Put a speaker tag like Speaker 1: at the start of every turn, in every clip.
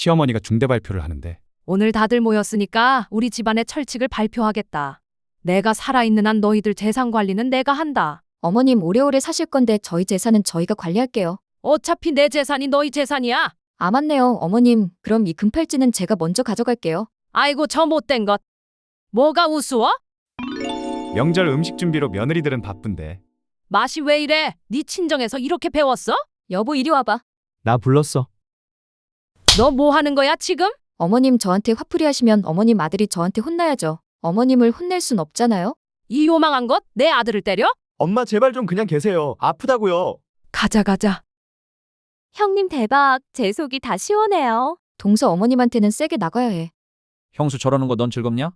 Speaker 1: 시어머니가 중대 발표를 하는데
Speaker 2: 오늘 다들 모였으니까 우리 집안의 철칙을 발표하겠다. 내가 살아있는 한 너희들 재산 관리는 내가 한다.
Speaker 3: 어머님 오래오래 사실 건데 저희 재산은 저희가 관리할게요.
Speaker 2: 어차피 내 재산이 너희 재산이야.
Speaker 3: 아 맞네요. 어머님 그럼 이 금팔찌는 제가 먼저 가져갈게요.
Speaker 2: 아이고 저 못된 것. 뭐가 우스워?
Speaker 1: 명절 음식 준비로 며느리들은 바쁜데
Speaker 2: 맛이 왜 이래? 네 친정에서 이렇게 배웠어?
Speaker 3: 여보 이리 와봐.
Speaker 1: 나 불렀어.
Speaker 2: 너 뭐 하는 거야 지금?
Speaker 3: 어머님 저한테 화풀이 하시면 어머님 아들이 저한테 혼나야죠. 어머님을 혼낼 순 없잖아요.
Speaker 2: 이 요망한 것? 내 아들을 때려?
Speaker 4: 엄마 제발 좀 그냥 계세요. 아프다고요.
Speaker 2: 가자.
Speaker 3: 형님 대박. 제 속이 다 시원해요. 동서 어머님한테는 세게 나가야 해.
Speaker 5: 형수 저러는 거 넌 즐겁냐?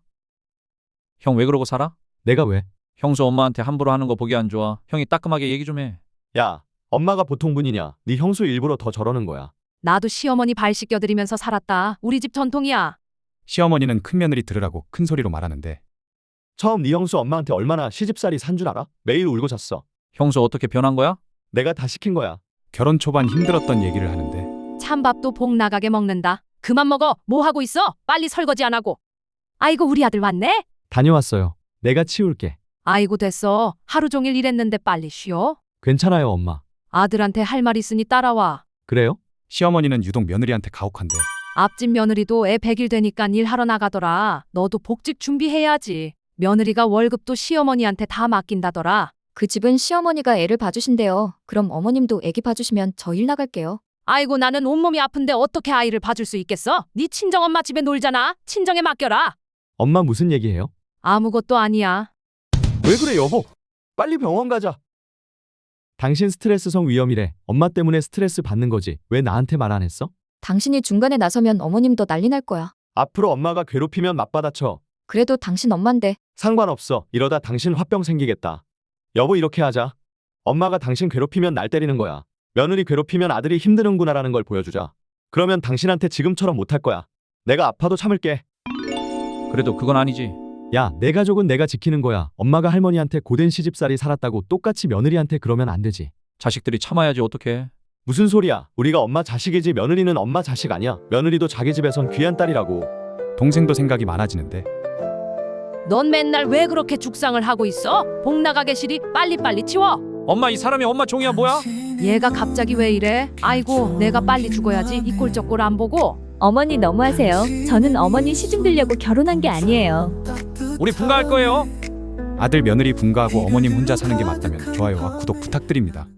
Speaker 5: 형 왜 그러고 살아?
Speaker 1: 내가 왜?
Speaker 5: 형수 엄마한테 함부로 하는 거 보기 안 좋아. 형이 따끔하게 얘기 좀 해.
Speaker 4: 야, 엄마가 보통 분이냐? 네 형수 일부러 더 저러는 거야.
Speaker 2: 나도 시어머니 발 씻겨드리면서 살았다. 우리 집 전통이야.
Speaker 1: 시어머니는 큰며느리 들으라고 큰 소리로 말하는데
Speaker 4: 처음 네 형수 엄마한테 얼마나 시집살이 산 줄 알아? 매일 울고 잤어.
Speaker 5: 형수 어떻게 변한 거야?
Speaker 4: 내가 다 시킨 거야.
Speaker 1: 결혼 초반 힘들었던 얘기를 하는데
Speaker 2: 찬밥도 복 나가게 먹는다. 그만 먹어. 뭐 하고 있어? 빨리 설거지 안 하고. 아이고 우리 아들 왔네.
Speaker 4: 다녀왔어요. 내가 치울게.
Speaker 2: 아이고 됐어. 하루 종일 일했는데 빨리 쉬어.
Speaker 4: 괜찮아요, 엄마.
Speaker 2: 아들한테 할 말 있으니 따라와.
Speaker 4: 그래요?
Speaker 1: 시어머니는 유독 며느리한테 가혹한데
Speaker 2: 앞집 며느리도 애 100일 되니까 일하러 나가더라. 너도 복직 준비해야지. 며느리가 월급도 시어머니한테 다 맡긴다더라.
Speaker 3: 그 집은 시어머니가 애를 봐주신대요. 그럼 어머님도 애기 봐주시면 저 일 나갈게요.
Speaker 2: 아이고 나는 온몸이 아픈데 어떻게 아이를 봐줄 수 있겠어? 네 친정엄마 집에 놀잖아. 친정에 맡겨라.
Speaker 4: 엄마 무슨 얘기해요?
Speaker 2: 아무것도 아니야.
Speaker 4: 왜 그래, 여보? 빨리 병원 가자. 당신 스트레스성 위염이래. 엄마 때문에 스트레스 받는 거지. 왜 나한테 말 안 했어?
Speaker 3: 당신이 중간에 나서면 어머님도 난리 날 거야.
Speaker 4: 앞으로 엄마가 괴롭히면 맞받아쳐.
Speaker 3: 그래도 당신 엄만데.
Speaker 4: 상관없어. 이러다 당신 화병 생기겠다. 여보 이렇게 하자. 엄마가 당신 괴롭히면 날 때리는 거야. 며느리 괴롭히면 아들이 힘드는구나라는 걸 보여주자. 그러면 당신한테 지금처럼 못할 거야. 내가 아파도 참을게.
Speaker 5: 그래도 그건 아니지.
Speaker 4: 야, 내 가족은 내가 지키는 거야. 엄마가 할머니한테 고된 시집살이 살았다고 똑같이 며느리한테 그러면 안 되지.
Speaker 5: 자식들이 참아야지 어떡해.
Speaker 4: 무슨 소리야. 우리가 엄마 자식이지 며느리는 엄마 자식 아니야. 며느리도 자기 집에선 귀한 딸이라고.
Speaker 1: 동생도 생각이 많아지는데
Speaker 2: 넌 맨날 왜 그렇게 죽상을 하고 있어? 복 나가게 시리 빨리빨리 치워.
Speaker 5: 엄마 이 사람이 엄마 종이야 뭐야?
Speaker 2: 얘가 갑자기 왜 이래? 아이고 내가 빨리 죽어야지. 이 꼴 저 꼴 안 보고.
Speaker 6: 어머니 너무하세요. 저는 어머니 시중 들려고 결혼한 게 아니에요.
Speaker 5: 우리 분가할 거예요.
Speaker 1: 아들 며느리 분가하고 어머님 혼자 사는 게 맞다면 좋아요와 구독 부탁드립니다.